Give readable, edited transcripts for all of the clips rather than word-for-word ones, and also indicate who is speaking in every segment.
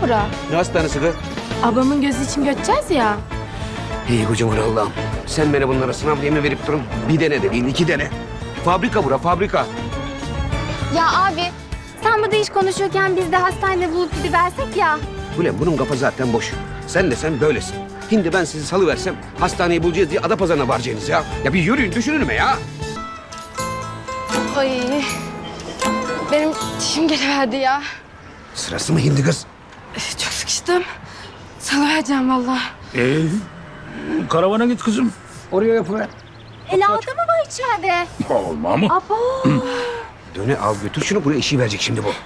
Speaker 1: bura?
Speaker 2: Ne hastanesi kız?
Speaker 1: Ablamın gözü için göçeceğiz ya.
Speaker 2: İyi kocaman Allah'ım. Sen bana bunlara sınav diye mi verip durun? Bir tane de değil, 2 tane. Fabrika bura, fabrika.
Speaker 3: Ya abi sen burada iş konuşurken biz de hastanede bulup gidiversek ya.
Speaker 2: Ulan bunun kafa zaten boş. Sen böylesin. Şimdi ben sizi salıversem hastaneyi bulacağız diye Adapazarı'na varacaksınız ya. Ya bir yürüyün, düşünün mü ya?
Speaker 1: Ay benim dişim geliverdi ya.
Speaker 2: Sırası mı hindi kız?
Speaker 1: Çok sıkıştım. Salıvereceğim vallahi.
Speaker 4: Karavana git kızım.
Speaker 2: Oraya yapıver.
Speaker 3: Ela'da mı var içeride?
Speaker 4: Olma mı?
Speaker 3: Abo.
Speaker 2: Döne al götür şunu, buraya işi verecek şimdi bu.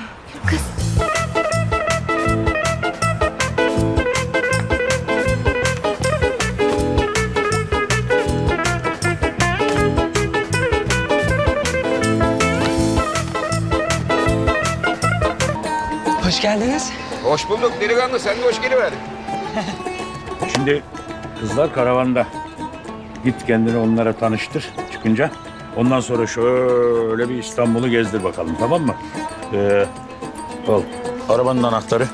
Speaker 5: Hoş geldiniz.
Speaker 2: Hoş bulduk delikanlı, sen de hoş geliverdin.
Speaker 4: Şimdi kızlar karavanda. Git kendini onlara tanıştır çıkınca. Ondan sonra şöyle bir İstanbul'u gezdir bakalım, tamam mı? Al arabanın anahtarı.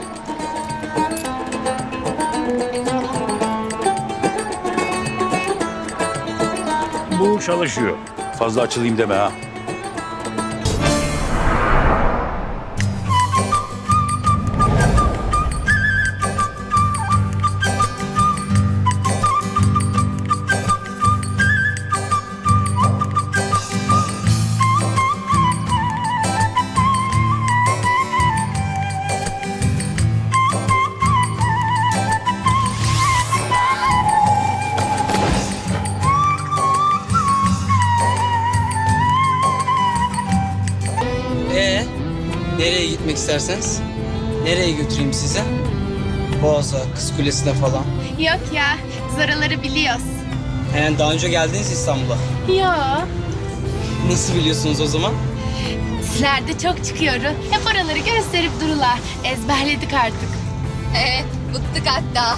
Speaker 4: Bu çalışıyor. Fazla açılayım deme ha.
Speaker 5: Nereye gitmek isterseniz? Nereye götüreyim size? Boğaz'a, Kız Kulesi'ne falan.
Speaker 1: Yok ya, biz oraları biliyoruz.
Speaker 5: Daha önce geldiniz İstanbul'a.
Speaker 1: Ya.
Speaker 5: Nasıl biliyorsunuz o zaman?
Speaker 1: Dizilerde çok çıkıyoruz. Hep oraları gösterip durular. Ezberledik artık.
Speaker 3: Bıktık hatta.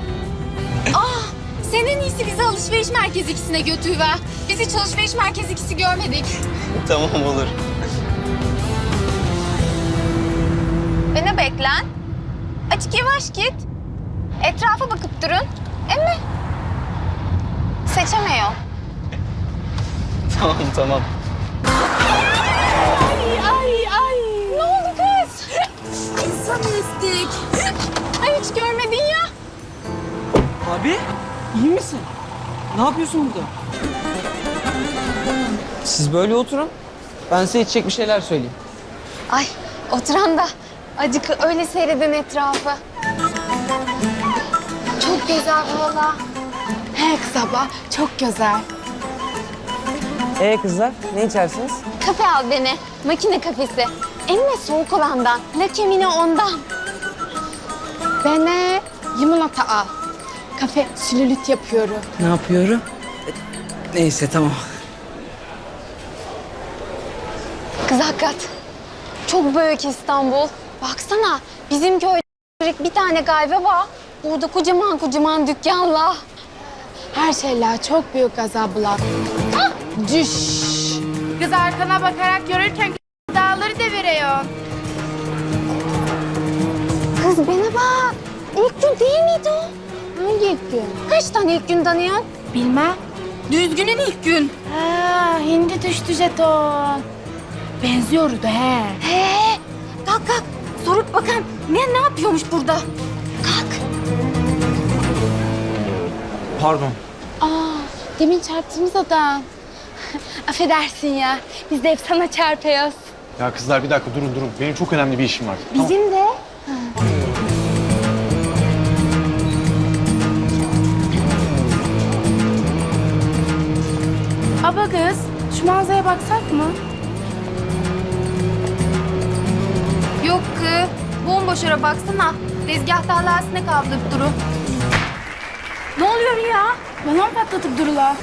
Speaker 3: Sen en iyisi bizi alışveriş merkezi ikisine götürüver. Biz hiç alışveriş merkezi ikisi görmedik.
Speaker 5: Tamam olur.
Speaker 3: Beni beklen. Açık yavaş git. Etrafa bakıp durun. Emmi. Seçemiyor.
Speaker 5: Tamam.
Speaker 1: Ay.
Speaker 3: Ne oldu kız? İnsan istik. Ay hiç görmedin ya.
Speaker 6: Abi, iyi misin? Ne yapıyorsun burada? Siz böyle oturun. Ben size içecek bir şeyler söyleyeyim.
Speaker 3: Ay oturan da acık öyle seyredin etrafı. Çok güzel valla.
Speaker 1: He kız abla, çok güzel.
Speaker 6: Kızlar, ne içersiniz?
Speaker 3: Kafe al beni. Makine kafesi. Emme soğuk olandan. Lakemine ondan.
Speaker 1: Bana limonata al. Kafe sülülüt yapıyorum.
Speaker 6: Ne yapıyorum? Neyse, tamam.
Speaker 3: Kız hakikat. Çok büyük İstanbul. Baksana bizim köyde bir tane kahve var. Burada kocaman dükkanlar.
Speaker 1: Her şeyler çok büyük gazablar. Düş. Kız arkana bakarak yürürken dağları deviriyorsun.
Speaker 3: Kız bana bak. İlk gün değil miydi o?
Speaker 1: Hangi ilk gün?
Speaker 3: Kaç tane ilk gün tanıyorsun?
Speaker 1: Bilmem. Düzgünün ilk gün. Ha, hindi düştü jeton. Benziyordu he.
Speaker 3: He. Kalk. Sorup bakalım. Ne yapıyormuş burada? Kalk.
Speaker 6: Pardon.
Speaker 1: Demin çarptığımız adam. Affedersin ya. Biz de hep sana çarpıyoruz.
Speaker 7: Ya kızlar bir dakika durun. Benim çok önemli bir işim var. Tamam.
Speaker 1: Bizim de. Aba kız, şu manzaraya baksak mı?
Speaker 3: Yok kız. Bomboş ara baksana. Tezgah tarlasına kaldırıp duru.
Speaker 1: Ne oluyor ya? Balon patlatıp durula.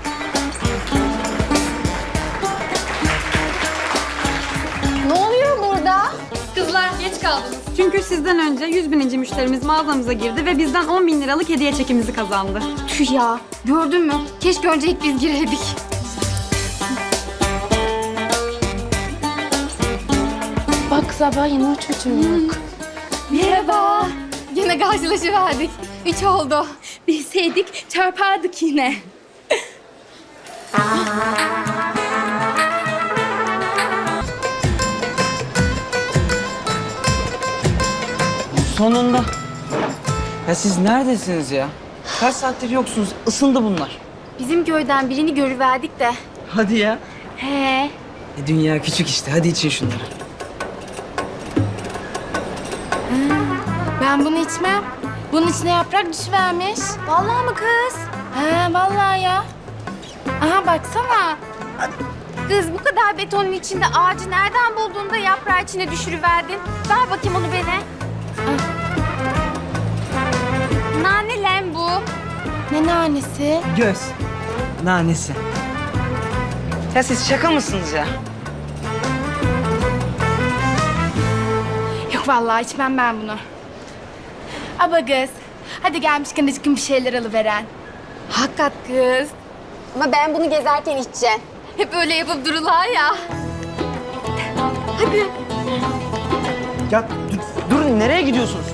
Speaker 3: Ne oluyor burada?
Speaker 8: Kızlar geç kaldınız. Çünkü sizden önce 100.000. müşterimiz mağazamıza girdi ve bizden 10.000 liralık hediye çekimizi kazandı.
Speaker 3: Tüh ya. Gördün mü? Keşke önce ilk biz gireydik.
Speaker 1: Bak sabah yine çocuğum yok.
Speaker 8: Niye
Speaker 1: Merhaba. Yine karşılaşıverdik. 3 oldu. Bilseydik çarpardık yine.
Speaker 6: Sonunda. Ya siz neredesiniz ya? Kaç saattir yoksunuz? Isındı bunlar.
Speaker 3: Bizim köyden birini görüverdik de.
Speaker 6: Hadi ya.
Speaker 3: He.
Speaker 6: Dünya küçük işte. Hadi için şunları.
Speaker 1: Ben bunu içmem. Bunun içine yaprak düşüvermiş. Vallahi mı kız? He vallahi ya. Aha baksana.
Speaker 3: Kız bu kadar betonun içinde ağacı nereden buldun da yaprağı içine düşürüverdin? Ver bakayım onu bana. Nane lan bu.
Speaker 1: Ne nanesi?
Speaker 6: Göz. Nanesi. Ya siz şaka mısınız ya?
Speaker 1: Yok vallahi içmem ben bunu. Aba kız. Hadi gelmişken acıkın bir şeyler alıveren.
Speaker 3: Hakikat kız. Ama ben bunu gezerken içeceğim. Hep öyle yapıp dururlar ya. Hadi.
Speaker 6: Ya durun nereye gidiyorsunuz?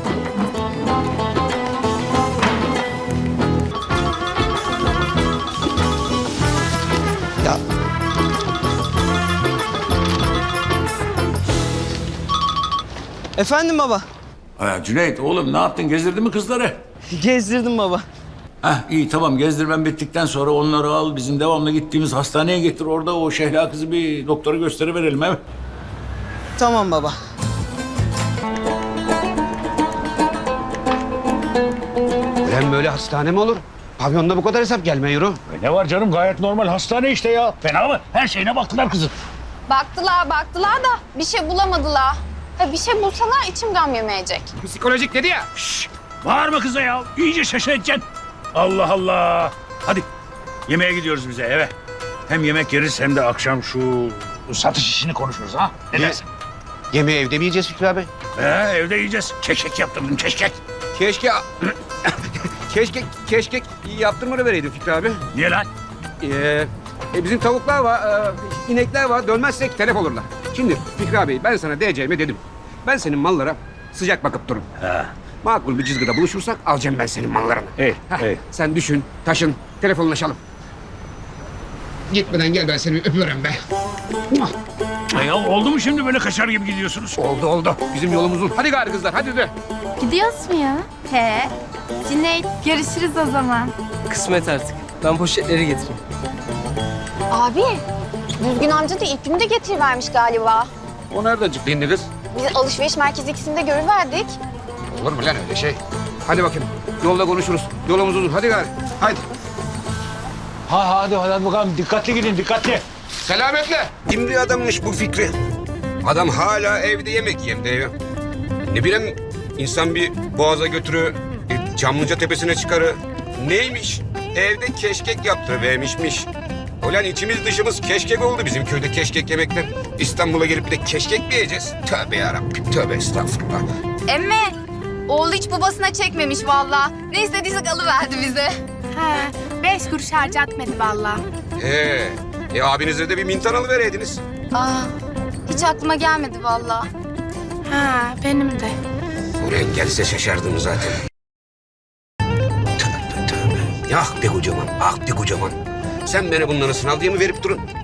Speaker 6: Ya. Efendim baba.
Speaker 4: Ha, Cüneyt oğlum ne yaptın? Gezdirdin mi kızları?
Speaker 6: Gezdirdim baba.
Speaker 4: Heh, iyi tamam gezdirmen bittikten sonra onları al bizim devamlı gittiğimiz hastaneye getir. Orada o Şehla kızı bir doktora gösteriverelim evet.
Speaker 6: Tamam baba.
Speaker 2: Ulan böyle hastane mi olur? Pavyonda bu kadar hesap gelme yürü.
Speaker 4: Ne var canım gayet normal hastane işte ya. Fena mı? Her şeyine baktılar kızın.
Speaker 3: Baktılar da bir şey bulamadılar. Ha, bir şey bulsalar içim gam yemeyecek.
Speaker 2: Psikolojik dedi ya.
Speaker 4: Bağırma kıza ya. İyice şaşıracaksın. Allah Allah. Hadi yemeğe gidiyoruz bize eve. Hem yemek yeriz hem de akşam şu satış işini konuşuruz ha. Ne dersin?
Speaker 2: Yemeği evde mi yiyeceğiz Fikri abi?
Speaker 4: Evde yiyeceğiz. Keşkek yaptırdım keşkek.
Speaker 2: Keşke... keşke yaptırmanı vereydin Fikri abi.
Speaker 4: Niye lan?
Speaker 2: Bizim tavuklar var, inekler var. Dönmezsek telef olurlar. Şimdi Fikri abi ben sana diyeceğimi dedim. Ben senin mallara sıcak bakıp dururum.
Speaker 4: Ha.
Speaker 2: Makul bir cızgıda buluşursak alacağım ben senin mallarını.
Speaker 4: İyi, iyi.
Speaker 2: Sen düşün, taşın, telefonlaşalım. Gitmeden gel ben seni bir öpüyorum be.
Speaker 4: Ya oldu mu şimdi böyle kaçar gibi gidiyorsunuz?
Speaker 2: Oldu. Bizim yolumuz uzun. Hadi gari kızlar, hadi de.
Speaker 1: Gidiyoruz mu ya? He. Cüneyt görüşürüz o zaman.
Speaker 6: Kısmet artık. Ben poşetleri getireyim.
Speaker 3: Abi, Düzgün amca da ilk günü de getirivermiş galiba.
Speaker 2: O nereden çıktı şimdi kız?
Speaker 3: Biz alışveriş merkezi ikisinde görüverdik.
Speaker 2: Olur mu lan öyle şey? Hadi bakayım, yolda konuşuruz. Yolumuz uzun, hadi gari. Hadi.
Speaker 4: Hadi bakalım dikkatli gidin dikkatli.
Speaker 2: Selametle. Kim bir adammış bu Fikri? Adam hala evde yemek yem diyor. Ne bileyim insan bir boğaza götürü, Çamlıca tepesine çıkarı. Neymiş? Evde keşkek yaptırıvermişmiş. Ulan içimiz dışımız keşkek oldu bizim köyde keşkek yemekten. İstanbul'a gelip bir de keşkek mi yiyeceğiz? Tövbe yarabbim, tövbe estağfurullah.
Speaker 3: Emme, oğlu hiç babasına çekmemiş vallahi. Ne istediysek alıverdi bize.
Speaker 1: He. 5 kuruş harcatmadı vallahi.
Speaker 2: Abinize de bir mintan alıvereydiniz.
Speaker 3: Hiç aklıma gelmedi vallahi.
Speaker 1: Ha benim de.
Speaker 2: Ulan gelse şaşardım zaten. Tövbe. Ah be kocaman, ah be kocaman. Sen bana bunları sınav diye mi verip durun?